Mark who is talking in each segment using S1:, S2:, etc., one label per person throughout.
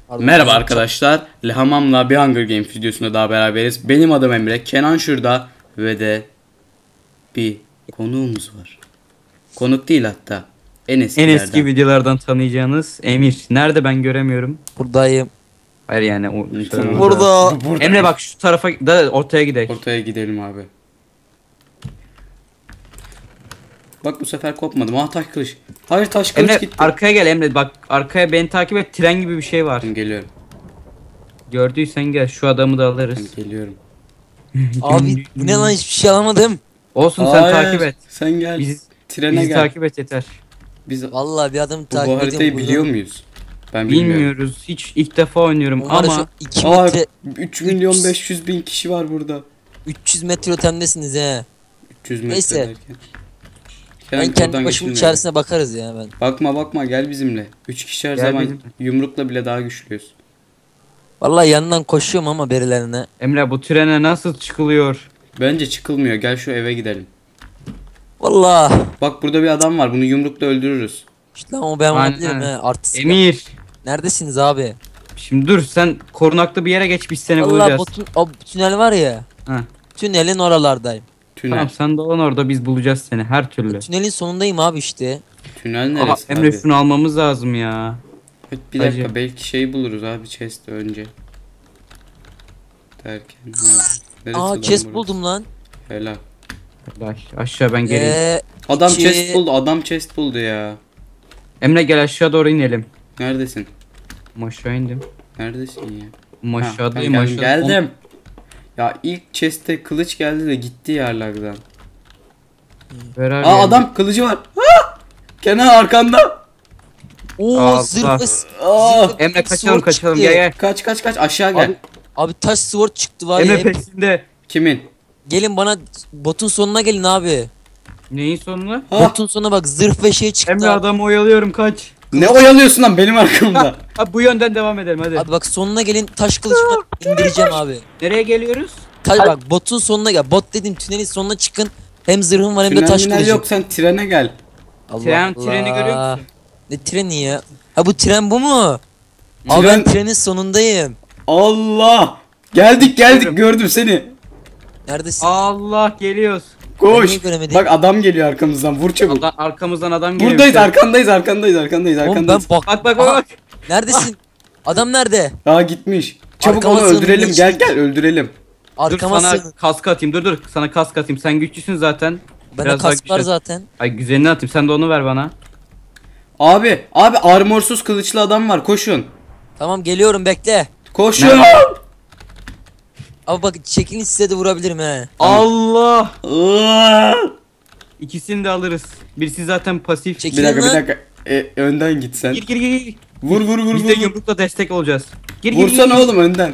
S1: Merhaba arkadaşlar. Lehamam'la bir Hunger Games videosunda daha beraberiz. Benim adım Emre, Kenan şurada ve de bir konuğumuz var. Konuk değil hatta. En
S2: eski videolardan tanıyacağınız Emir. Nerede ben göremiyorum.
S3: Buradayım.
S2: Hayır yani o
S3: Burada.
S2: Emre bak şu tarafa da ortaya gidelim.
S1: Ortaya gidelim abi. Bak bu sefer kopmadım. Ah taş kılıç. Hayır taş kılıç
S2: Emre
S1: gitti.
S2: arkaya gel Emre, bak arkaya beni takip et, tren gibi bir şey var.
S1: Geliyorum.
S2: Gördüysen gel, şu adamı da alırız.
S1: Geliyorum.
S3: Abi bu ne lan, hiçbir şey alamadım.
S2: Olsun sen
S1: Hayır,
S2: takip et.
S1: Sen gel. Trene
S2: Bizi
S1: gel.
S2: takip et yeter.
S1: Biz
S3: Vallahi bir adım
S1: bu
S3: takip ediyorum.
S1: haritayı biliyor muyuz? Ben bilmiyorum.
S2: Bilmiyoruz. Hiç ilk defa oynuyorum
S3: Ama
S2: ama
S3: 2 metre
S1: 3 milyon 500 bin kişi var burada.
S3: 300 metre ötemdesiniz he.
S1: 300 metre
S3: Neyse.
S1: derken.
S3: Ben
S1: Kenan,
S3: kendi
S1: oradan
S3: başımın
S1: geçilmiyor.
S3: içerisine bakarız ya ben.
S1: Bakma gel bizimle. 3 kişi her
S2: Gel
S1: zaman
S2: bizimle.
S1: yumrukla bile daha güçlüyüz.
S3: Vallahi yanından koşuyorum ama berilerine.
S2: Emre bu trene nasıl çıkılıyor?
S1: Bence çıkılmıyor. Gel şu eve gidelim.
S3: Vallahi.
S1: Bak burada bir adam var. Bunu yumrukla öldürürüz.
S3: İşte ama ben
S2: Aynen.
S3: olabilirim he. Artist.
S2: Emir.
S3: Neredesiniz abi?
S2: Şimdi dur, sen korunaklı bir yere geç, biz seni
S3: Vallahi
S2: bulacağız.
S3: o tünel var ya.
S2: Heh.
S3: Tünelin oralardayım.
S1: Tünel.
S2: Tamam, sen dolan orada, biz bulacağız seni her türlü.
S3: Tünelin sonundayım abi işte.
S1: Tünel
S2: Aha,
S1: neresi
S2: Emre
S1: abi?
S2: şunu almamız lazım ya.
S1: Bir dakika
S2: Hacı.
S1: belki şey buluruz abi chest önce. Derken neresi
S3: Aa
S1: lan
S3: chest
S1: burası?
S3: buldum lan.
S1: Helal.
S2: Aşağı ben geleyim.
S1: Adam
S3: iki-
S1: chest buldu. Adam chest buldu ya.
S2: Emre gel aşağı doğru inelim.
S1: Neredesin?
S2: Aşağı indim.
S1: Neredesin ya?
S2: Aşağıdayım,
S1: Ha, ben
S2: aşağı.
S1: geldim. Ya ilk chest'te kılıç geldi de gitti yerlerden. Aa adam kılıcı var. Ha! Kenan arkanda.
S3: Oo
S2: Allah.
S3: zırhlı.
S1: Aa!
S2: Emre kaçalım
S3: sword
S2: kaçalım,
S3: çıktı.
S2: gel.
S1: Kaç aşağı gel.
S3: Abi taş sword çıktı var
S2: Emre
S3: ya.
S2: peşinde.
S1: Kimin?
S3: Gelin bana botun sonuna gelin abi.
S2: Neyin sonuna?
S1: Ha?
S3: Botun sonuna bak, zırh ve şey çıktı.
S2: Emre
S3: abi.
S2: adamı oyalıyorum, kaç.
S1: Ne oyalıyorsun lan benim arkamda?
S2: Ha, bu yönden devam edelim hadi.
S3: Abi bak sonuna gelin, taş kılıçla indireceğim abi.
S2: Nereye geliyoruz?
S3: Bak botun sonuna gel. Bot dedim, tünelin sonuna çıkın. Hem zırhım var hem de taş
S1: Tünel
S3: kılıcım.
S1: yok, sen trene gel.
S3: Allah
S2: Treni görüyor musun?
S3: Ne treni ya? Ha bu tren bu mu? Abi
S1: Tren-
S3: ben trenin sonundayım.
S1: Allah! Geldik
S2: Geçiyorum.
S1: gördüm seni.
S3: Neredesin?
S2: Allah, geliyoruz.
S3: Ben niye
S1: Koş.
S3: göremedim?
S1: Bak adam geliyor arkamızdan, vur çabuk.
S2: Arkamızdan adam geliyor.
S1: Buradayız, arkandayız.
S3: Oğlum ben bak.
S2: Bak
S3: Aha, neredesin? Adam nerede?
S1: Aa gitmiş. Çabuk
S3: Arkama
S1: onu
S3: sığın,
S1: öldürelim.
S3: geçtik.
S1: Gel öldürelim.
S2: Dur
S3: Arkama
S2: sana
S3: sığın.
S2: kask atayım, dur sana kask atayım. Sen güçlüsün zaten.
S3: Bende
S2: Biraz daha
S3: kask var
S2: güçlen.
S3: zaten.
S2: Ay güzelini atayım, sen de onu ver bana.
S1: Abi armorsuz kılıçlı adam var. Koşun.
S3: Tamam geliyorum, bekle.
S1: Koşun.
S2: Nerede?
S3: Abi bak çekilin, size de vurabilirim he.
S2: Allah!
S1: Aa!
S2: İkisini de alırız. Birisi zaten pasif.
S3: Çekil.
S1: Bir dakika
S3: lan.
S1: önden git sen.
S2: Gir.
S1: Vur.
S2: Biz de yumrukla destek olacağız. Gir.
S1: Vursana oğlum önden.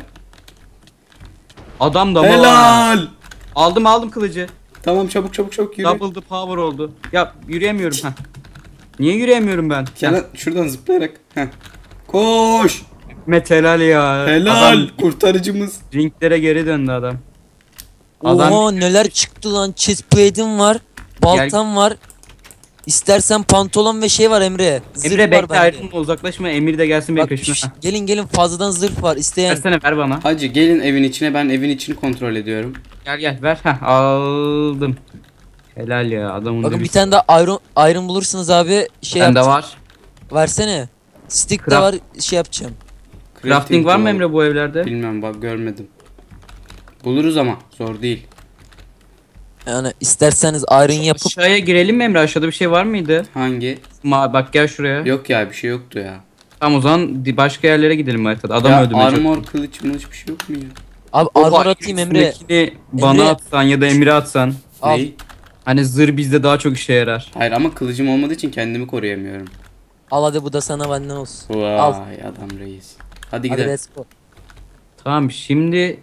S2: Adam da mı var?
S1: Helal.
S2: Aldım kılıcı.
S1: Tamam çabuk yürü.
S2: Double the power oldu. Ya yürüyemiyorum ha. Niye yürüyemiyorum ben?
S1: Kenan şuradan zıplayarak. Heh. Koş.
S2: Met helal ya.
S1: Helal.
S2: Adam
S1: Kurtarıcımız.
S2: ringlere geri döndü adam. Adam
S3: Oha neler çıktı lan. Chestplate'im var. Baltam var. İstersen pantolon ve şey var Emre. Zırh
S2: Emre
S3: var
S2: bekle,
S3: bende.
S2: ayrılma, uzaklaşma. Emir de gelsin benim
S3: Bak,
S2: peşime.
S3: gelin fazladan zırh var. İsteyen.
S2: Versene, ver bana.
S1: Hacı gelin evin içine, ben evin içini kontrol ediyorum.
S2: Gel ver. Aldım. Helal ya, adamın
S3: Bakın
S2: da
S3: bir tane daha iron bulursunuz abi. Şey
S2: Bende
S3: yapacağım.
S2: var.
S3: Versene. Stick de
S2: Craft-
S3: var, şey yapacağım.
S2: Crafting var mı
S1: tool.
S2: Emre bu evlerde?
S1: Bilmem bak görmedim. Buluruz ama zor değil.
S3: Yani isterseniz iron yapıp
S2: Aşağıya girelim mi Emre? Aşağıda bir şey var mıydı?
S1: Hangi?
S2: Bak gel şuraya.
S1: Yok ya bir şey yoktu ya.
S2: Tamam o zaman başka yerlere gidelim haritada. Adam
S1: Ya
S2: öldürmeyecek.
S1: armor kılıç mılıç bir şey yok mu ya?
S3: abi
S2: O
S3: armor atayım Emre.
S2: üstündekini bana
S3: Emre-
S2: atsan ya da Emir'e atsan.
S3: Al.
S1: Ney?
S2: Hani zırh bizde daha çok işe yarar.
S1: Hayır ama kılıcım olmadığı için kendimi koruyamıyorum.
S3: Al hadi, bu da sana benden olsun.
S1: Vay
S3: Al.
S1: adam reis. Hadi
S3: Hadi
S1: gidelim.
S3: let's go.
S2: Tamam şimdi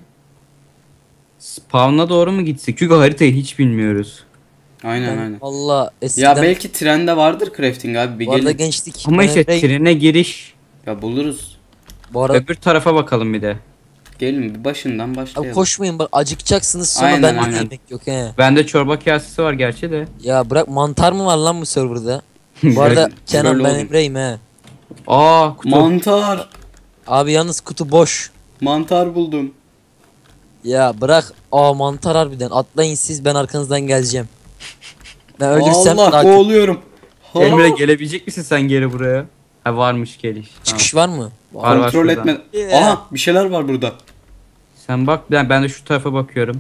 S2: spawn'a doğru mu gitsek? Çünkü haritayı hiç bilmiyoruz.
S1: Aynen.
S3: Valla eskiden
S1: Ya belki trende vardır crafting abi bir
S3: bu arada
S1: gelin.
S3: gençlik.
S2: Ama
S3: Ben
S2: işte
S3: Emre'yim.
S2: trene giriş.
S1: Ya buluruz.
S3: Bu arada
S2: Öbür tarafa bakalım bir de.
S1: Gelin bir başından
S3: abi
S1: başlayalım.
S3: koşmayın, bak acıkacaksınız sonra,
S1: Aynen,
S3: bende
S1: aynen.
S3: yemek yok he.
S2: Bende çorba kasesi var gerçi de.
S3: Ya bırak, mantar mı var lan bu serverda? Bu arada
S1: Böyle
S3: Kenan, ben
S1: oğlum.
S3: Emre'yim he.
S2: Aa kutu.
S1: Mantar.
S3: Abi yalnız kutu boş.
S1: Mantar buldum.
S3: Ya bırak. Aa mantar harbiden. Atlayın siz, ben arkanızdan geleceğim. Ben ölürsem
S1: Allah
S3: daha kötü.
S1: boğuluyorum. Ha,
S2: Emre gelebilecek misin sen geri buraya? Ha varmış geliş. Tamam.
S3: Çıkış var mı?
S2: Var, var
S1: kontrol
S2: şurada.
S1: etme.
S3: Yeah.
S1: Aha bir şeyler var burada.
S2: Sen bak ben de şu tarafa bakıyorum.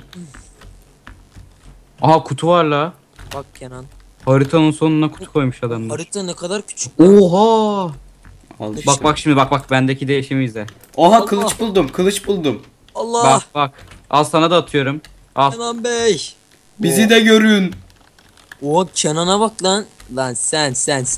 S2: Aha kutu var la.
S3: Bak Kenan.
S2: Haritanın sonuna kutu koymuş adamlar.
S3: Harita ne kadar küçük.
S2: Oha!
S1: Al işte.
S2: Bak şimdi bak bendeki değişimi izle.
S1: Aha
S3: Allah.
S1: kılıç buldum. Kılıç buldum.
S3: Allah.
S2: Bak. Al sana da atıyorum. Al.
S3: Kenan Bey.
S1: Bizi de görün.
S3: O Kenan'a bak lan. Lan sen.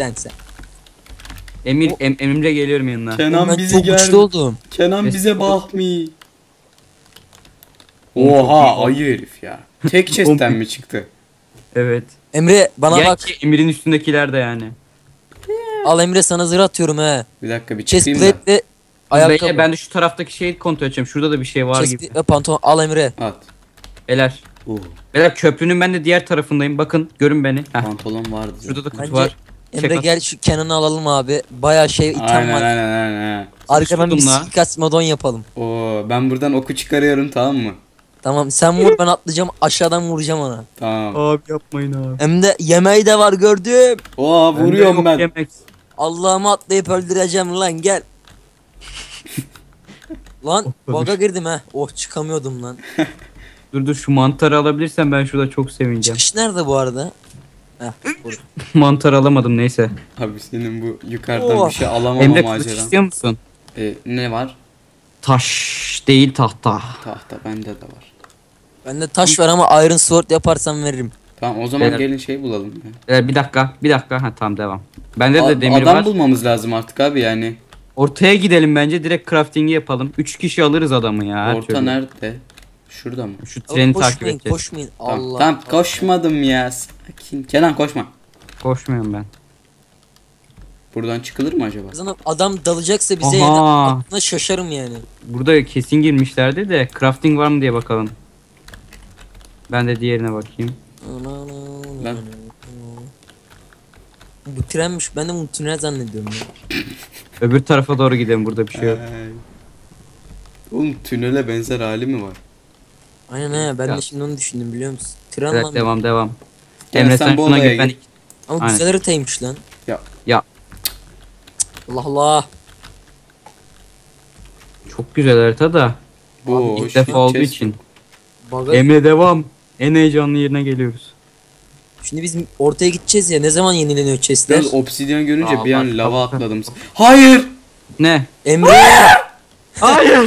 S2: Emre geliyorum yanına.
S1: Kenan
S3: Ben
S1: bizi
S3: çok
S1: gel.
S3: güçlü oldum.
S1: Kenan
S2: Neyse.
S1: bize bakmi.
S2: Oğlum çok iyi
S1: Oha
S2: oldu.
S1: ayı herif ya. Tek chest'ten mi çıktı?
S2: Evet.
S3: Emre bana
S2: Gel
S3: bak.
S2: ki Emir'in üstündekiler de yani.
S3: Al Emre, sana zırh atıyorum he.
S1: Bir dakika bir çıkayım da.
S3: Chestplate ve ayakkabı.
S2: Ben de şu taraftaki şeyi kontrol edeceğim. Şurada da bir şey var gibi.
S3: Chestplate ve pantolon. Al Emre.
S1: At.
S2: Beyler.
S1: Oh,
S2: Beyler köprünün ben de diğer tarafındayım. Bakın görün beni. Heh.
S1: pantolon vardı.
S2: Şurada da kutu
S3: Bence
S2: var.
S3: Emre
S2: Çek at.
S3: gel şu Kenan'ı alalım abi. Bayağı şey item
S1: Aynen
S3: var.
S1: aynen.
S3: Arkadan bir
S2: Sıkıştırdım la.
S3: suikast modon yapalım.
S1: Oo ben buradan oku çıkarıyorum tamam mı?
S3: Tamam sen vur, ben atlayacağım aşağıdan vuracağım ona.
S1: Tamam.
S2: Abi yapmayın abi.
S3: Hem de yemeği de var gördüm.
S1: Oo vuruyorum ben.
S2: Yemek.
S3: Allah'ımı atlayıp öldüreceğim lan gel. Lan baga girdim ha. Oh çıkamıyordum lan.
S2: Dur şu mantarı alabilirsem ben şurada çok sevineceğim.
S3: Çıkış nerede bu arada? Heh, burada.
S2: Mantar alamadım neyse.
S1: Abi senin bu yukarıdan
S3: Oh.
S1: bir şey alamama
S2: Emre kılıç
S1: maceran.
S2: istiyor musun?
S1: Ne var?
S2: Taş değil tahta.
S1: Tahta bende de var.
S3: Bende taş var ama Iron Sword yaparsam veririm.
S1: Tamam o zaman
S2: Beyler.
S1: gelin şey bulalım ya.
S2: Bir dakika. Ha tamam devam. Bende de demir
S1: Adam
S2: var.
S1: bulmamız lazım artık abi yani.
S2: Ortaya gidelim bence direkt crafting'i yapalım. 3 kişi alırız adamı ya. her
S1: Orta
S2: türlü.
S1: nerede? Şurada mı?
S2: Şu treni takip
S3: Koşmayın
S2: edeceğiz.
S3: koşmayın.
S1: Tamam,
S3: Allah.
S1: tamam koşmadım ya. Sakin. Kenan koşma.
S2: Koşmuyorum ben.
S1: Buradan çıkılır mı acaba?
S3: Adam dalacaksa bize
S2: Aha.
S3: yani aklına şaşarım yani.
S2: Burada kesin girmişlerdi de crafting var mı diye bakalım. Ben de diğerine bakayım.
S1: Ben-
S3: Bu trenmiş. Ben de bunu tünel zannediyorum ya.
S2: Öbür tarafa doğru gidelim, burada bir şey yok.
S1: Ay. Oğlum tünele benzer hali mi var?
S3: Aynen he, ben
S2: Ya.
S3: de şimdi onu düşündüm biliyor musun? Tren
S2: Evet
S3: lan.
S2: devam.
S1: Gel
S2: Emre
S1: sen
S2: sen
S1: bu
S2: şuna
S1: odaya
S2: gir, ben
S1: gir.
S3: Ama
S2: Aynen.
S3: güzel haritaymış lan.
S2: Ya
S3: Allah Allah.
S2: çok güzel harita da
S1: Bu
S2: ilk defa olduğu için.
S3: Baga...
S2: Emre devam. En heyecanlı yerine geliyoruz.
S3: Şimdi biz ortaya gideceğiz ya, ne zaman yenileniyor chestler?
S1: Ben obsidyen görünce
S2: Aa,
S1: bir
S2: bak,
S1: an lava
S2: bak.
S1: atladım. Hayır!
S2: Ne?
S3: Emre!
S2: Hayır.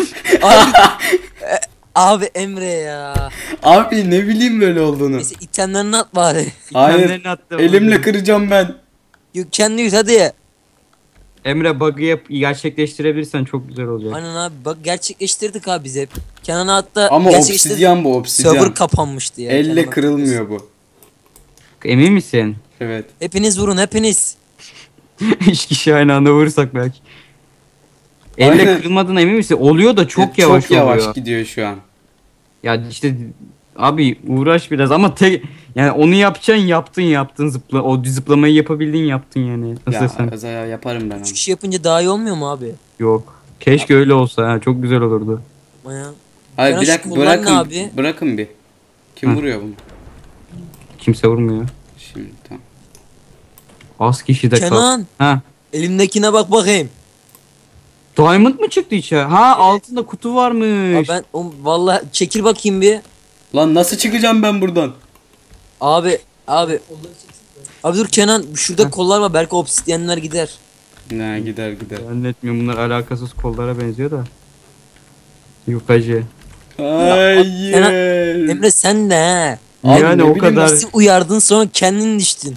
S3: Abi Emre ya.
S1: Abi ne bileyim böyle olduğunu.
S3: Neyse itemlerini at bari.
S1: Hayır.
S2: İtemlerini attım.
S1: Elimle kıracağım ben.
S3: Kendi yüz hadi.
S2: Emre bug'ı gerçekleştirebilirsen çok güzel olacak.
S3: Aynen abi, bak gerçekleştirdik abi biz hep. Kenan'a hatta
S1: Ama
S3: gerçekleştirdik.
S1: obsidyen bu obsidyen.
S3: Server kapanmıştı ya.
S1: Elle
S3: Kenan'a.
S1: kırılmıyor bu.
S2: Emin misin?
S1: Evet.
S3: Hepiniz vurun hepiniz.
S2: 3 kişi aynı anda vurursak belki. Elle
S1: Aynen.
S2: kırılmadığına emin misin? Oluyor da çok
S1: Evet,
S2: yavaş
S1: çok yavaş
S2: oluyor.
S1: gidiyor şu an.
S2: Ya işte abi uğraş biraz ama yani onu yaptın zıpla o zıplamayı yapabildin yaptın yani. Nasıl
S1: Ya,
S2: desem?
S1: yaparım ben onu.
S3: 3 kişi yapınca daha iyi olmuyor mu abi?
S2: Yok. Keşke öyle olsa ha, çok güzel olurdu.
S3: Ama ya.
S1: Hayır
S3: Kenan
S1: bir
S3: şu
S1: dakika
S3: kollar
S1: bırakın.
S3: ne abi?
S1: Bırakın bir. Kim
S2: Hı.
S1: vuruyor bunu?
S2: Kimse vurmuyor.
S1: Şimdi tamam.
S2: Az kişi de kal.
S3: Kenan,
S2: Ha.
S3: elimdekine bak bakayım.
S2: Diamond mı çıktı içe? Ha altında kutu varmış.
S3: Abi ben vallahi çekil bakayım bir.
S1: Lan nasıl çıkacağım ben buradan?
S3: Abi. Abi dur Kenan, şurada kollar var, belki obsidyenler gider.
S1: Ne gider.
S2: Zannetmiyorum, bunlar alakasız kollara benziyor da. Yok hacı.
S1: Hayır.
S3: Emre sen de he.
S1: Abi
S2: Yani
S1: ne
S2: o
S1: bileyim
S2: kadar.
S3: Nasıl uyardın sonra kendin düştün.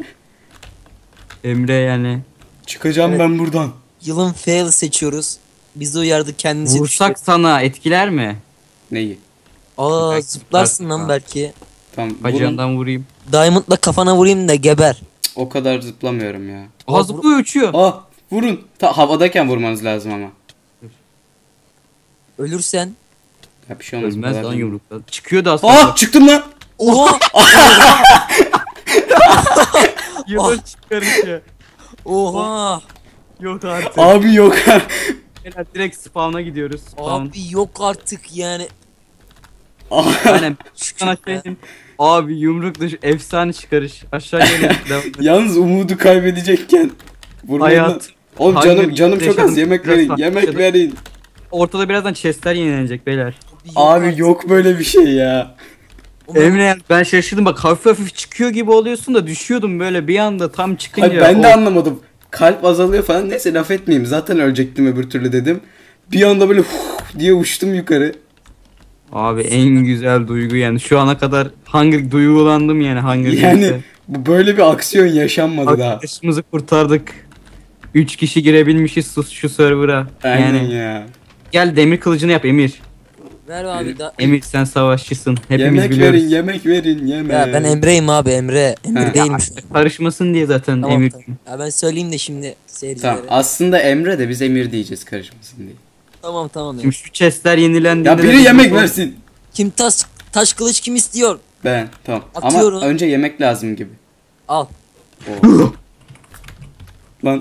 S2: Emre yani.
S1: Çıkacağım
S3: Evet.
S1: ben buradan.
S3: Yılın fail seçiyoruz. Bizi uyardı, kendisi
S2: Vursak
S3: düştü.
S2: sana etkiler mi?
S1: Neyi?
S3: Aa
S2: Belki
S3: zıplarsın lan
S2: zıplarsın.
S3: belki.
S1: Tamam vurun.
S2: Bacağından vurayım.
S3: Diamond'la kafana vurayım da geber.
S1: O kadar zıplamıyorum ya.
S2: Aha zıplıyor, uçuyor.
S1: Ah vurun. Havadayken vurmanız lazım ama.
S3: Ölürsen.
S1: Ya bir şey olmaz. bu
S2: Ölmez
S1: kadar
S2: lan
S1: değil.
S2: yumrukla. Çıkıyordu aslında.
S1: Ah çıktım lan.
S3: Oha!
S2: Yumruk çıkarınca.
S3: Oha!
S2: Yok artık.
S1: Abi yok.
S2: Beyler direkt spawn'a gidiyoruz. Spawn.
S3: Abi yok artık yani.
S2: Aynen. Sana şey diyeyim. Abi yumruk dışı efsane çıkarış. Aşağı gelin. Devam et.
S1: Yalnız umudu kaybedecekken vurmayın lan.
S2: Hayat.
S1: Oğlum
S2: Hunger
S1: canım çok az.
S2: yaşadım.
S1: Yemek
S2: Biraz
S1: verin.
S2: farklı
S1: Yemek
S2: yaşadım.
S1: verin.
S2: Ortada birazdan chestler yenilenecek beyler.
S1: Abi
S3: artık.
S1: yok böyle bir şey ya.
S3: Ulan,
S2: Emre ben şaşırdım bak hafif hafif çıkıyor gibi oluyorsun da düşüyordum böyle bir anda tam çıkınca.
S1: Hayır, ben de anlamadım. Kalp azalıyor falan. Neyse laf etmeyeyim. Zaten ölecektim öbür türlü dedim. Bir anda böyle diye uçtum yukarı.
S2: Abi en güzel duygu yani şu ana kadar duygulandım yani Hunger
S1: Yani
S2: Games'te.
S1: bu böyle bir aksiyon yaşanmadı daha.
S2: Arkadaşımızı kurtardık. 3 kişi girebilmişiz şu server'a.
S1: Aynen
S2: Yani
S1: ya.
S2: gel demir kılıcını yap Emir.
S3: ver abi da.
S2: Emir sen savaşçısın. Hepimiz
S1: Yemek
S2: biliyoruz.
S1: verin, yemek verin, yemek.
S3: Ya ben Emre'yim abi Emre. Emre
S1: Ha.
S3: değilmiş.
S2: Karışmasın diye zaten
S3: Tamam,
S2: Emir.
S3: tamam. Ya ben söyleyeyim de şimdi seyircilere.
S1: Tamam. Aslında Emre de biz Emir diyeceğiz karışmasın diye.
S3: Tamam ya.
S2: Şimdi şu chestler yenilendiğinde...
S1: Ya
S2: de
S1: biri
S2: biz
S1: yemek
S2: bu-
S1: versin.
S3: Kim taş kılıç kim istiyor?
S1: Ben. Tamam.
S3: Atıyorum.
S1: Ama önce yemek lazım gibi.
S3: Al.
S1: Oo. Lan.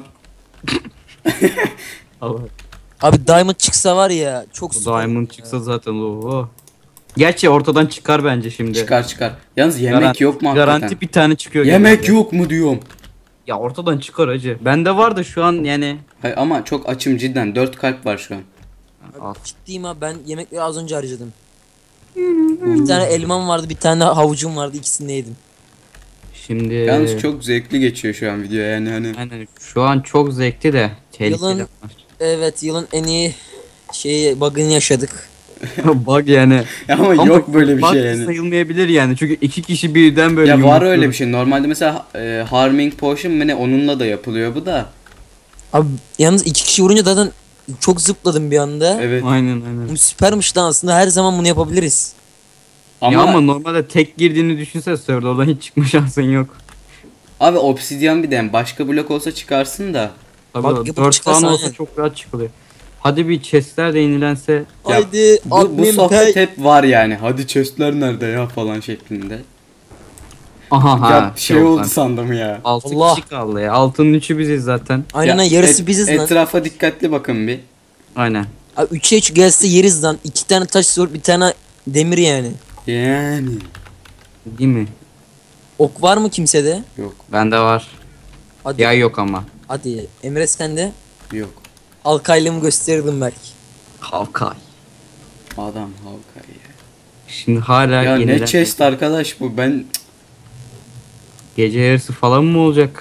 S2: Allah.
S3: Abi diamond çıksa var ya çok süper.
S2: Diamond çıksa zaten o. Gerçi ortadan çıkar bence şimdi.
S1: Çıkar. Yalnız yemek
S2: Garanti-
S1: yok mu hakikaten?
S2: Garanti bir tane çıkıyor.
S1: Yemek
S2: genelde.
S1: yok mu diyorum.
S2: Ya ortadan çıkar acı. Bende var da şu an yani.
S1: Hayır, ama çok açım cidden. 4 kalp var şu an.
S2: Al.
S3: Ciddiyim abi ben yemekleri az önce harcadım. Bir tane elmam vardı bir tane havucum vardı ikisini de yedim.
S2: Şimdi.
S1: Yalnız çok zevkli geçiyor şu an video yani hani.
S2: Aynen şu an çok zevkli de tehlikeli.
S3: Yılın-
S2: var.
S3: Evet yılın en iyi bug'ını yaşadık.
S2: Bug yani.
S1: Ama yok böyle bir
S2: bug
S1: şey yani.
S2: sayılmayabilir yani. Çünkü 2 kişi birden böyle
S1: Ya var
S2: yumrukluyor.
S1: öyle bir şey. Normalde mesela Harming Potion mu ne onunla da yapılıyor bu da.
S3: Abi yalnız iki kişi vurunca zaten çok zıpladım bir anda.
S1: Evet.
S2: Aynen.
S3: Bu süpermiş lan aslında her zaman bunu yapabiliriz.
S2: Ya ama normalde tek girdiğini düşünsene serverda oradan hiç çıkma şansın yok.
S1: abi obsidyen bir de yani başka blok olsa çıkarsın da.
S2: Tabii
S3: Bak,
S2: 4
S3: yapıp
S2: falan
S3: çıkarsa
S2: olsa
S3: aynen.
S2: çok rahat çıkılıyor. Hadi bir chestler de yenilense.
S1: Ya,
S3: Haydi
S1: Bu
S3: admin
S1: sohbet
S3: pay.
S1: hep var yani. Hadi chestler nerede ya falan şeklinde.
S2: Aha
S1: Ya şey oldu sandım ya.
S2: 6
S3: Allah.
S2: kişi kaldı ya. Altının 3'ü biziz zaten.
S3: Aynen
S1: Ya,
S3: yarısı biziz lan.
S1: Etrafa dikkatli bakın bir.
S2: Aynen.
S3: Abi 3'e 3 gelse yeriz lan. 2 tane taş zor bir tane demir yani.
S1: Yani.
S2: Değil mi?
S3: Ok var mı kimsede?
S1: Yok
S2: Bende var.
S3: Hadi.
S2: Ya yok ama.
S3: Hadi Emre sende.
S1: yok.
S3: Halkaylığımı gösterirdim belki.
S2: Havkay.
S1: Adam halka ya.
S2: Şimdi hala
S1: Ya
S2: yenilen.
S1: ne chest arkadaş bu ben.
S2: Gece yarısı falan mı olacak?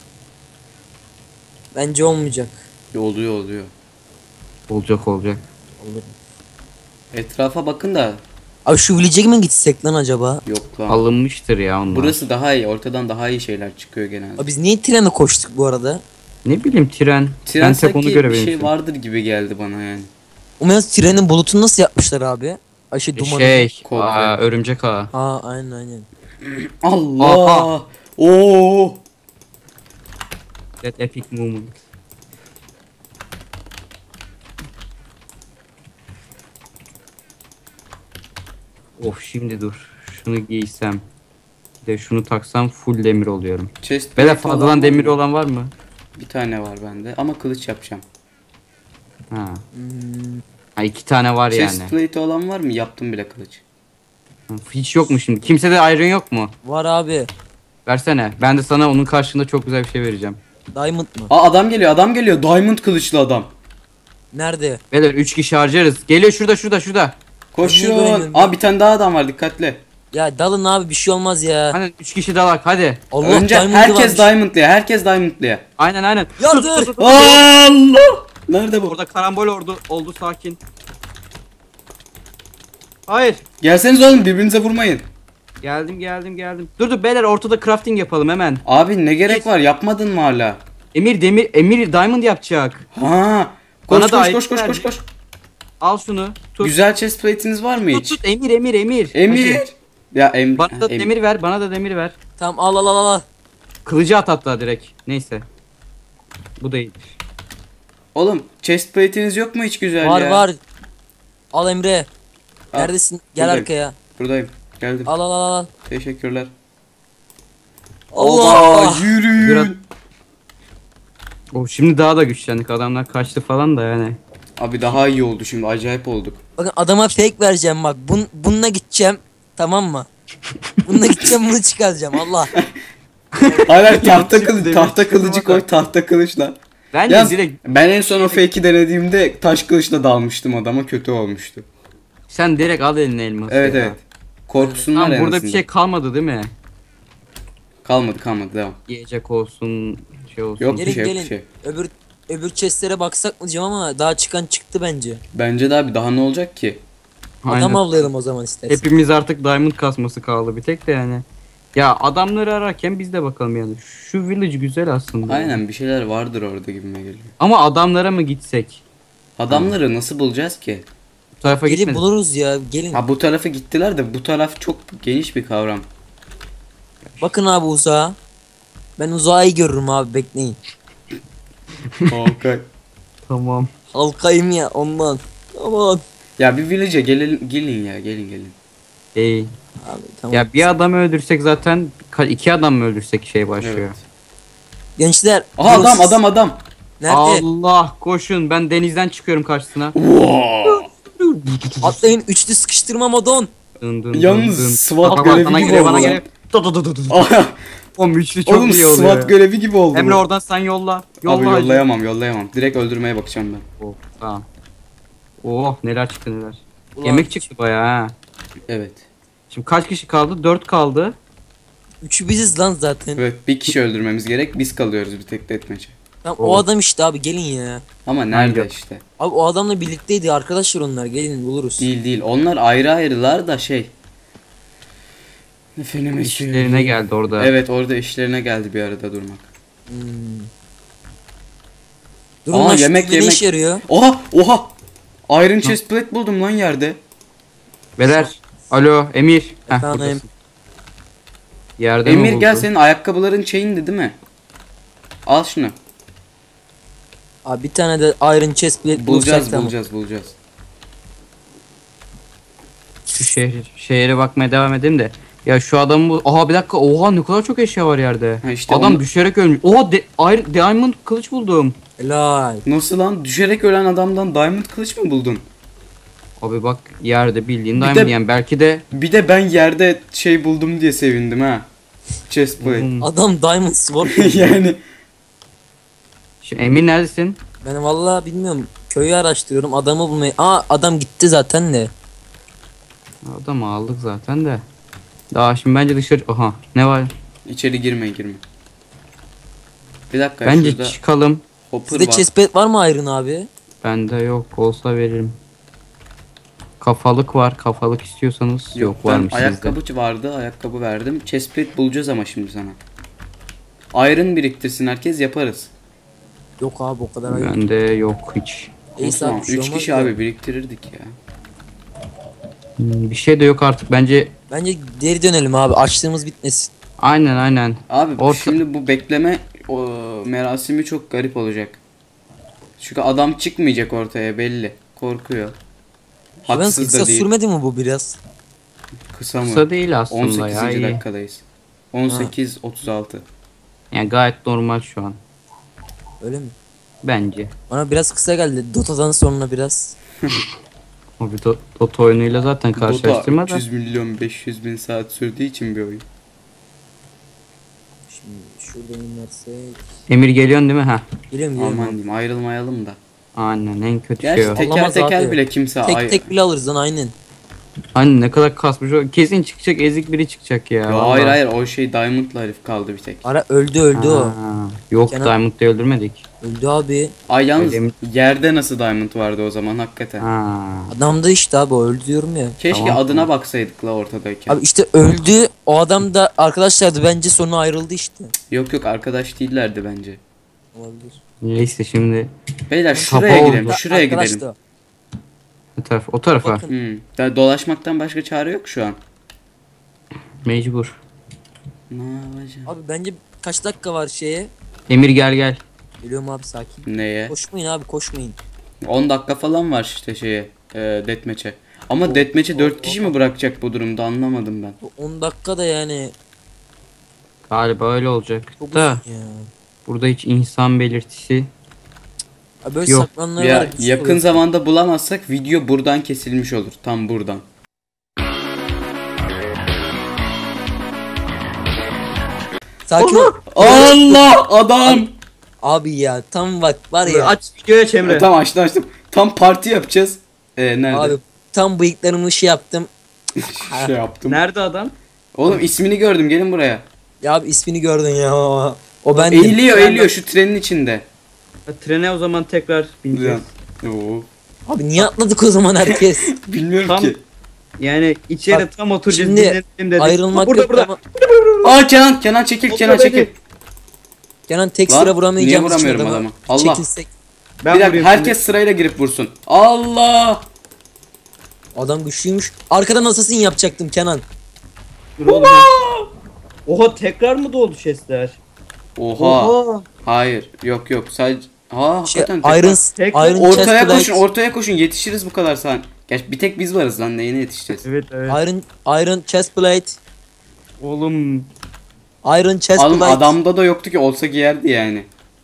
S3: Bence olmayacak.
S1: Oluyor.
S2: Olacak.
S3: Olur.
S1: Etrafa bakın da
S3: Abi şu village'e mi gitsek lan acaba?
S1: yok lan.
S2: Alınmıştır ya onlar.
S1: Burası daha iyi. Ortadan daha iyi şeyler çıkıyor genelde.
S3: Abi biz niye trene koştuk bu arada?
S2: Ne bileyim tren.
S1: Tren
S2: Ben tek onu
S1: sanki bir
S2: görebilirim.
S1: şey vardır gibi geldi bana yani.
S3: O trenin bulutunu nasıl yapmışlar abi? Ay dumanı.
S1: Kol
S2: Örümcek ağı.
S3: Aa aynen.
S1: Allah.
S2: Aha.
S1: Oo.
S2: That epic moment. Of şimdi dur. Şunu giysem. Bir de şunu taksam full demir oluyorum.
S1: Chest
S2: Böyle
S1: plate olan
S2: fazladan
S1: var
S2: demir
S1: mı?
S2: olan var mı?
S1: Bir tane var bende ama kılıç yapacağım.
S2: Ha.
S3: Hmm,
S2: Ha 2 tane var
S1: Chest
S2: yani.
S1: plate olan var mı? Yaptım bile kılıç.
S2: Hiç yok mu şimdi? Kimsede iron yok mu?
S3: var abi.
S2: Versene. Ben de sana onun karşılığında çok güzel bir şey vereceğim.
S3: Diamond mı?
S1: Aa adam geliyor. Diamond kılıçlı adam.
S3: Nerede?
S2: Beyler 3 kişi harcarız. Geliyor şurada.
S1: Koşuyor.
S3: Niye göremiyorum
S1: Aa bir tane daha adam var dikkatli.
S3: Ya dalın abi bir şey olmaz ya.
S2: Hani 3 kişi dalak hadi.
S3: Allah
S1: Önce
S3: Diamond'ı
S1: herkes
S3: varmış.
S1: Diamond'lıya.
S2: Aynen.
S3: Yardır.
S1: Allah! Nerede bu?
S2: Orada karambol oldu sakin. Hayır.
S1: Gelseniz oğlum birbirinize vurmayın.
S2: Geldim. Dur beyler ortada crafting yapalım hemen.
S1: Abi ne gerek var? Yapmadın mı hala?
S2: Emir diamond yapacak.
S1: Ha.
S2: Bana
S1: Koş
S2: da
S1: koş
S2: ait
S1: koş koş
S2: verdi.
S1: koş koş.
S2: Al şunu. Tut.
S1: Güzel chest plate'iniz var mı hiç?
S2: Tut Emir.
S1: Emir.
S2: Hadi.
S1: Ya Emir.
S2: Bana da demir ver.
S3: Tamam al.
S2: Kılıcı at hatta direkt. Neyse. Bu da iyidir.
S1: Oğlum chest plate'iniz yok mu hiç güzel
S3: Var
S1: ya?
S3: var. Al Emre.
S1: Al.
S3: Neredesin? Gel
S1: Buradayım.
S3: arkaya.
S1: Buradayım. Geldim.
S3: Al.
S1: Teşekkürler.
S3: Allah!
S1: Yürüyün.
S2: Şimdi daha da güçlendik. Adamlar kaçtı falan da yani.
S1: Abi daha iyi oldu şimdi. Acayip olduk.
S3: Bakın adama fake vereceğim bak. Bununla gideceğim. Tamam mı? Bununla gideceğim bunu çıkaracağım Allah.
S1: Hayır
S2: Demir
S1: tahta kılıcı
S2: çıkmadı.
S1: koy tahta kılıçla.
S2: Bence
S1: Yalnız
S2: direkt
S1: ben en son o fake'i denediğimde taş kılıçla dalmıştım adama, kötü olmuştu.
S2: sen direkt al eline elması
S1: Evet
S2: ya.
S1: evet. Korksunlar
S2: Tamam,
S1: en
S2: burada bir
S1: azından.
S2: şey kalmadı değil mi?
S1: Kalmadı devam.
S2: Yiyecek olsun, şey olsun.
S1: Yok. Bir
S3: Gelin
S1: şey, yok bir
S3: gelin.
S1: şey.
S3: Öbür chestlere baksak mı diyeceğim ama daha çıkan çıktı bence.
S1: Bence de abi daha ne olacak ki?
S2: Aynen.
S3: Adam avlayalım o zaman istersen.
S2: Hepimiz artık diamond kasması kaldı bir tek de yani. Ya adamları ararken biz de bakalım yani. Şu village güzel aslında.
S1: Aynen bir şeyler vardır orada gibime geliyor.
S2: Ama adamlara mı gitsek?
S1: Adamları nasıl bulacağız ki?
S2: Bu tarafa
S3: Gelin
S2: gitmedik.
S3: buluruz ya gelin.
S1: Ha bu tarafa gittiler de bu taraf çok geniş bir kavram.
S3: Bakın abi uzağa. Ben uzağı iyi görürüm abi bekleyin.
S1: Okay.
S2: Tamam.
S3: Halkayım ya ondan. Aman.
S1: Ya bir village'e gelin ya gelin.
S2: İyi.
S3: Abi tamam.
S2: Ya bir adam öldürsek zaten iki adam mı öldürsek şey başlıyor.
S1: Evet.
S3: Gençler.
S1: Aha
S3: durun.
S1: adam.
S3: Nerede?
S2: Allah koşun, ben denizden çıkıyorum karşısına.
S3: Atlayın üçlü sıkıştırma modon.
S2: Dın dın
S1: Yalnız
S2: dın dın.
S1: SWAT
S2: Bak,
S1: görevi
S2: bana
S1: gibi
S2: geliyor,
S1: oldu
S2: bana
S1: lan.
S2: geliyor. Oğlum üçlü çok
S1: Oğlum
S2: iyi oluyor.
S1: SWAT
S2: ya.
S1: görevi gibi oldu.
S2: Emre
S1: bu.
S2: oradan sen yolla. Yolla
S1: Abi
S2: hadi.
S1: yollayamam. Direkt öldürmeye bakacağım ben.
S2: Oh, tamam. Oh neler çıktı neler.
S3: Ulan,
S2: Yemek çıktı bayağı ha.
S1: Evet.
S2: Şimdi kaç kişi kaldı? 4 kaldı.
S3: Üçü biziz lan zaten.
S1: Evet bir kişi öldürmemiz gerek. Biz kalıyoruz bir tek deathmatch'e.
S3: Tamam,
S2: Oh.
S3: o adam işte abi gelin ya.
S1: Ama nerede
S2: Hangi?
S1: işte?
S3: Abi o adamla birlikteydi arkadaşlar onlar gelin buluruz.
S1: Değil. Onlar ayrılar da şey. Efendim
S2: İşlerine geldi orada.
S1: Evet orada işlerine geldi bir arada durmak.
S3: Durun
S1: Aa,
S3: lan şu
S1: yemek,
S3: düğme ne
S1: yemek.
S3: işe yarıyor?
S1: Oha! Iron chestplate buldum lan yerde.
S2: Beyler. Alo Emir. Heh,
S3: Efendim?
S2: buradasın. Yerde mi
S1: Emir gel
S2: buldun?
S1: senin ayakkabıların chain'di değil mi? Al şunu.
S3: Abi bir tane de iron chest plate bulursak tamam.
S1: Bulacağız.
S2: Şu şehre bakmaya devam edeyim de. Ya şu adamı bu. Aha bir dakika. Oha ne kadar çok eşya var yerde.
S1: Ha işte
S2: Adam
S1: onu-
S2: düşerek ölmüş. Oha diamond kılıç buldum.
S3: Helal.
S1: Nasıl lan? Düşerek ölen adamdan diamond kılıç mı buldun?
S2: Abi bak yerde bildiğin
S1: Bir
S2: diamond
S1: de-
S2: yani belki de
S1: Bir de ben yerde şey buldum diye sevindim ha. Chestplate.
S3: Adam diamond sword.
S1: Yani
S2: Emir neredesin?
S3: Ben vallahi bilmiyorum. Köyü araştırıyorum adamı bulmayı. Aa adam gitti zaten de.
S2: Adamı aldık zaten de. Daha şimdi bence dışarı... Aha ne var?
S1: içeri girme. Bir dakika
S2: Bence
S1: şurada
S2: çıkalım.
S1: hopper
S3: Sizde
S1: var.
S2: şey-
S3: chest plate var mı iron abi?
S2: Bende yok olsa veririm. Kafalık var. Kafalık istiyorsanız yok,
S1: ben
S2: varmış sizde.
S1: ayakkabı vardı. Ayakkabı verdim. Chestplate bulacağız ama şimdi sana. Iron biriktirsin herkes yaparız.
S3: Yok abi o kadar iron.
S2: Bende yok hiç.
S3: Neyse
S1: Tamam,
S3: abi, bir şey
S1: 3
S3: olmaz
S1: kişi
S3: da.
S1: abi biriktirirdik ya.
S2: Bir şey de yok artık bence.
S3: Bence geri dönelim abi açlığımız bitmesin.
S2: Aynen.
S1: Abi
S2: Orta-
S1: şimdi bu bekleme merasimi çok garip olacak. Çünkü adam çıkmayacak ortaya belli. Korkuyor.
S3: Ben
S1: Haksız
S3: kısa
S1: da değil.
S3: sürmedi mi bu biraz?
S1: Kısa mı?
S2: Kısa değil aslında
S1: 18.
S2: ya. iyi.
S1: dakikadayız. 18:36.
S2: Yani gayet normal şu an.
S3: Öyle mi?
S2: Bence.
S3: Bana biraz kısa geldi. Dota'dan sonra biraz.
S2: O bir Dota oyunuyla zaten
S1: Dota
S2: karşılaştırma da.
S1: 300 milyon 500 bin saat sürdüğü için bir oyun.
S3: Şimdi şuradan inersek.
S2: Emir geliyorsun değil mi? Ha.
S3: Geliyorum
S1: Aman
S3: geliyorum.
S1: diyeyim ayrılmayalım da.
S2: Aynen en kötü
S1: Gerçi
S2: şey o.
S1: teker
S3: Olamaz
S1: teker
S3: abi.
S1: bile kimse
S3: Tek tek bile alırız lan aynen.
S2: Hani ne kadar kasmış o. Kesin çıkacak ezik biri çıkacak ya.
S1: Ya
S2: vallahi.
S1: hayır o şey Diamond'la herif kaldı bir tek.
S3: Ara öldü o.
S2: Ha, yok
S3: Kenan-
S2: Diamond'da öldürmedik.
S3: Öldü abi.
S1: Ay yalnız
S2: Öyle mi?
S1: yerde nasıl Diamond vardı o zaman hakikaten.
S2: Ha.
S3: Adam da işte abi o öldü diyorum ya.
S1: Keşke
S2: Tamam,
S1: adına baksaydık la ortadayken.
S3: Abi işte öldü. O adam da arkadaşlardı bence sonra ayrıldı işte.
S1: Yok arkadaş değillerdi bence.
S3: Olabilir.
S2: Neyse şimdi
S1: Beyler
S2: Kafa
S1: şuraya
S2: oldu.
S1: gidelim. Şuraya
S3: Arkadaş
S1: gidelim.
S3: da.
S2: o tarafa.
S3: Bakın.
S1: Dolaşmaktan başka çare yok şu an.
S2: Mecbur.
S1: Ne yapacağım?
S3: Abi bence kaç dakika var şeye?
S2: Emir gel.
S3: Geliyorum abi sakin.
S1: Neye?
S3: Koşmayın abi koşmayın.
S1: 10 dakika falan var işte şeye. Deathmatch'e. Ama Deathmatch'e 4 kişi mi bırakacak bu durumda anlamadım ben.
S3: Bu 10 dakika da yani
S2: Galiba öyle olacak.
S3: çok
S2: Da
S3: uzun ya.
S2: burada hiç insan belirtisi
S3: Abi böyle
S2: Yok.
S3: saklananlar
S1: Ya
S3: var. güçlü
S1: yakın
S3: olur.
S1: zamanda bulamazsak video buradan kesilmiş olur. Tam buradan.
S3: Sakin ol.
S1: Allah adam.
S3: Abi ya tam bak var ya.
S2: Aç videoya aç Emre.
S1: Tamam açtım. Tam parti yapacağız. Nerede?
S3: Abi tam bıyıklarımı şey yaptım.
S1: Şey yaptım.
S2: Nerede adam?
S1: Oğlum ismini gördüm. Gelin buraya.
S3: Ya abi ismini gördün ya. O bendim.
S1: Eğiliyor şu trenin içinde.
S2: Trene o zaman tekrar bineceğiz.
S1: Oo.
S3: Abi niye atladık o zaman herkes?
S1: Bilmiyorum
S2: Tam-
S1: ki.
S2: Yani içeri
S3: Bak,
S2: tam oturacağız.
S3: şimdi
S2: dinlenelim dedik.
S3: Ayrılmak
S2: burada,
S3: yok
S2: burada.
S3: ama.
S1: Aa Kenan çekil.
S2: Otur
S1: Kenan
S2: beni.
S1: çekil.
S3: Kenan tek
S1: Lan,
S3: sıra vuramayacağımız
S1: niye
S3: için
S1: vuramıyorum
S3: adama
S1: adama? Allah.
S3: çekilsek.
S2: Ben
S1: Bir dakika
S2: vurayım
S1: herkes sırayla girip vursun. Allah.
S3: Adam güçlüymüş. Arkadan assassin yapacaktım Kenan.
S2: şimdi. Dur oğlum. Oha tekrar mı doldu chestler?
S1: Oha. Hayır. Yok sadece. Ha
S3: Şey,
S1: hakikaten.
S3: Iron,
S2: tekrar-
S3: Iron
S1: Ortaya
S3: Chestplate,
S1: ortaya koşun yetişiriz bu kadar saniye. Gerçi bir tek biz varız lan neyine yetişeceğiz?
S2: Evet.
S3: Iron Chestplate,
S2: Oğlum
S3: Iron
S1: Oğlum
S3: Chestplate.
S1: adamda da yoktu ki olsa giyerdi yani.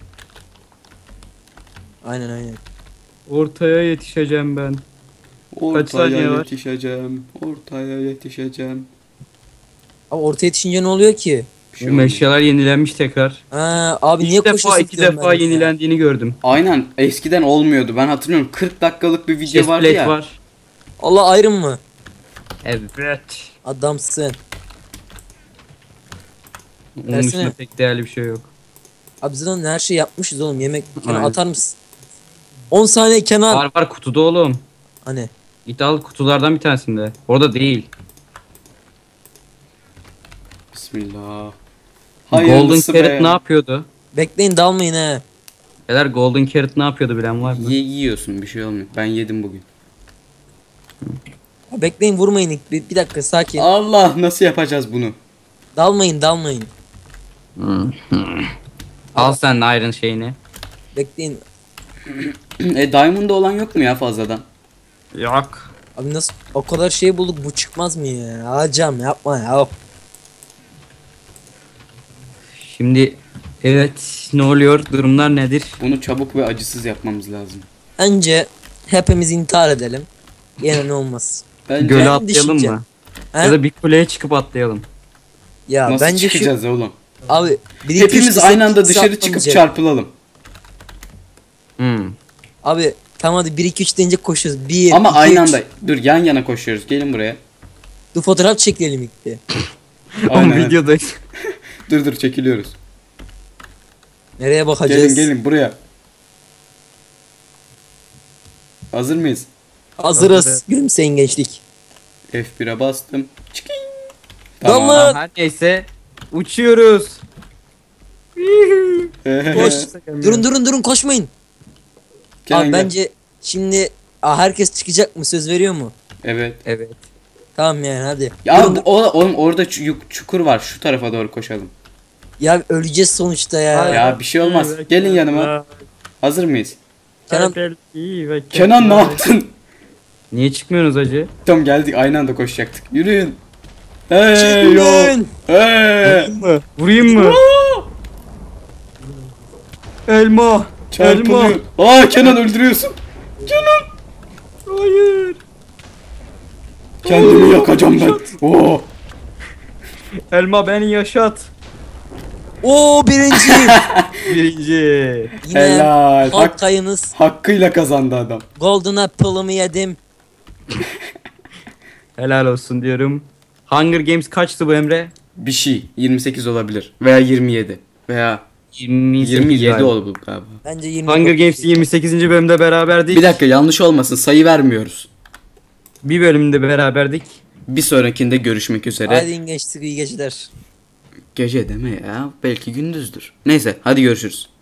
S3: Aynen.
S2: ortaya yetişeceğim ben.
S1: Ortaya
S2: saniye var?
S1: yetişeceğim. Ortaya yetişeceğim.
S3: Abi ortaya yetişince ne oluyor ki?
S1: Bir şey
S2: Bu
S1: olmuyor.
S2: eşyalar yenilenmiş tekrar.
S3: Ha, abi niye
S2: İki defa
S3: koşuyorsun
S2: iki
S3: diyorum
S2: defa
S3: ben de ya.
S2: yenilendiğini gördüm.
S1: Aynen eskiden olmuyordu. Ben hatırlıyorum 40 dakikalık bir video vardı
S2: Chestplate
S1: ya.
S2: var.
S3: Allah Iron mı?
S2: Evet.
S3: Adamsın.
S2: Onun
S3: Versene.
S2: dışında pek değerli bir şey yok.
S3: Abi zaten her şey yapmışız oğlum. Yemek Kenan
S2: Aynen.
S3: atar mısın? 10 saniye Kenan.
S2: Var kutuda oğlum.
S3: Hani
S2: Git al kutulardan bir tanesinde. Orada değil.
S1: Bismillah.
S2: Golden
S1: Hayırlısı
S2: Carrot
S1: be.
S2: ne yapıyordu?
S3: bekleyin dalmayın he.
S2: Beyler Golden Carrot ne yapıyordu bilen var mı?
S1: Yiyorsun bir şey olmuyor. Ben yedim bugün.
S3: Ya bekleyin vurmayın ilk. Bir dakika sakin.
S1: Allah nasıl yapacağız bunu?
S3: Dalmayın.
S2: Al sen de Iron şeyini.
S3: Bekleyin.
S1: Diamond'da olan yok mu ya fazladan?
S2: Yok.
S3: Abi nasıl o kadar şey bulduk bu çıkmaz mı ya? Hacam yapma ya.
S2: Şimdi evet ne oluyor? Durumlar nedir?
S1: Bunu çabuk ve acısız yapmamız lazım.
S3: Önce hepimiz intihar edelim. Yine ne olmaz.
S1: Bence
S2: Göle
S3: Ben
S2: atlayalım
S3: düşüneceğim.
S2: mı?
S3: He?
S2: Ya da bir kuleye çıkıp atlayalım.
S3: Ya
S1: nasıl
S3: bence
S1: çıkacağız oğlum?
S3: abi bir iki, üç
S1: Hepimiz
S3: desek
S1: aynı anda
S3: kimse
S1: dışarı çıkıp
S3: atlamayacak.
S1: çarpılalım.
S3: Abi tamam hadi 1 2 3 deyince koşuyoruz. 1
S1: Ama
S3: 2,
S1: aynı
S3: 3.
S1: anda. Dur yan yana koşuyoruz. Gelin buraya.
S3: Dur fotoğraf çekelim ilk bir.
S2: Ama
S1: Aynen.
S2: videodayız.
S1: Dur çekiliyoruz.
S3: Nereye bakacağız?
S1: Gelin buraya. Hazır mıyız?
S3: Hazırız.
S2: Hazırız.
S3: Gülümseyin gençlik.
S1: F1'e bastım. Çıkın.
S3: Dalma.
S2: Her neyse uçuyoruz.
S3: Koş. Durun koşmayın.
S1: Kenan
S3: Abi
S1: gel.
S3: bence şimdi herkes çıkacak mı? Söz veriyor mu?
S1: Evet.
S2: Evet.
S3: Tamam yani hadi.
S1: Ya
S3: Durun, dur.
S1: oğlum orada çukur var. Şu tarafa doğru koşalım.
S3: Ya öleceğiz sonuçta ya.
S1: Ya bir şey olmaz. Gelin yanıma. Hazır mıyız?
S3: Kenan
S1: Kenan ne yaptın?
S2: Niye çıkmıyorsunuz acı?
S1: Tamam geldik aynı anda koşacaktık. Yürüyün. Hey yo.
S3: çıkın.
S1: Hey.
S2: Vurayım mı? Elma.
S1: Çarpılıyor. Aa Kenan öldürüyorsun.
S2: Hayır.
S1: Kendimi yakacağım ben. Oo.
S2: Elma beni yaşat.
S3: Oo birinci.
S2: Birinci.
S3: Yine
S1: Helal.
S3: halk kayınız.
S1: Hakkıyla kazandı adam.
S3: Golden Apple'ımı yedim.
S2: Helal olsun diyorum. Hunger Games kaçtı bu Emre?
S1: Bir şey 28 olabilir veya 27 veya
S2: 28
S1: 27
S2: galiba.
S1: oldu galiba.
S3: Bence 20.
S2: Hunger Games 28. bölümde beraberdik.
S1: Bir dakika yanlış olmasın sayı vermiyoruz.
S2: Bir bölümde beraberdik.
S1: Bir sonrakinde görüşmek üzere.
S3: Hadi geçtik iyi geceler.
S1: Gece deme ya belki gündüzdür. Neyse hadi görüşürüz.